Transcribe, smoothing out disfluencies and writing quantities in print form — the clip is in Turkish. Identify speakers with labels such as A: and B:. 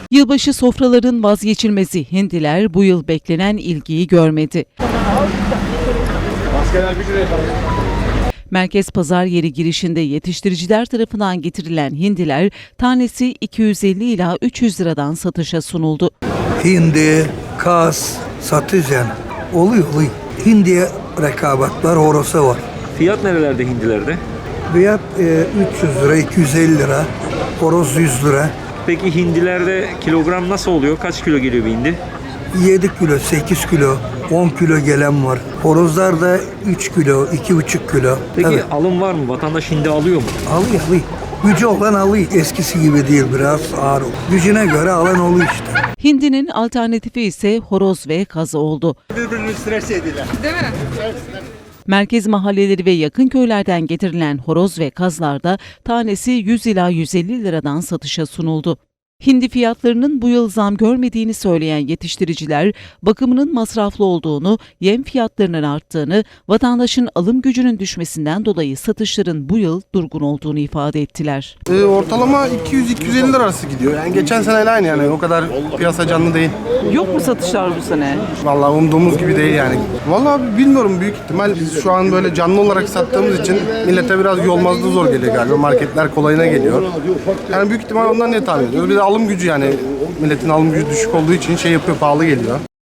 A: Yılbaşı sofraların vazgeçilmezi hindiler bu yıl beklenen ilgiyi görmedi. Merkez pazar yeri girişinde yetiştiriciler tarafından getirilen hindiler tanesi 250 ila 300 liradan satışa sunuldu.
B: Hindi, kaz, satıcan oluyor. Hindiye rekabet var, horosa var.
C: Fiyat nerelerde hindilerde?
B: Fiyat 300 lira, 250 lira, horoz 100 lira.
C: Peki hindilerde kilogram nasıl oluyor? Kaç kilo geliyor bir hindi?
B: 7 kilo, 8 kilo, 10 kilo gelen var. Horozlar da 3 kilo, 2,5 kilo.
C: Peki
B: Tabii,
C: alım var mı? Vatandaş hindi alıyor mu?
B: alıyor. Gücü olan alıyor. Eskisi gibi değil, biraz ağır. Gücüne göre alan oluyor işte.
A: Hindinin alternatifi ise horoz ve kaz oldu.
D: Birbirini stres ediler. Değil mi?
A: Merkez mahalleleri ve yakın köylerden getirilen horoz ve kazlarda tanesi 100 ila 150 liradan satışa sunuldu. Hindi fiyatlarının bu yıl zam görmediğini söyleyen yetiştiriciler, bakımının masraflı olduğunu, yem fiyatlarının arttığını, vatandaşın alım gücünün düşmesinden dolayı satışların bu yıl durgun olduğunu ifade ettiler.
E: Ortalama 200-250 lira arası gidiyor. Yani geçen seneyle aynı yani. O kadar piyasa canlı değil.
A: Yok mu satışlar bu sene?
E: Vallahi umduğumuz gibi değil yani. Vallahi bilmiyorum, büyük ihtimal biz şu an böyle canlı olarak sattığımız için millete biraz yolmazlığı zor geliyor galiba. Marketler kolayına geliyor. Yani büyük ihtimal ondan ne tahmin ediyoruz. Bir de alım gücü, yani milletin alım gücü düşük olduğu için şey yapıyor, pahalı geliyor.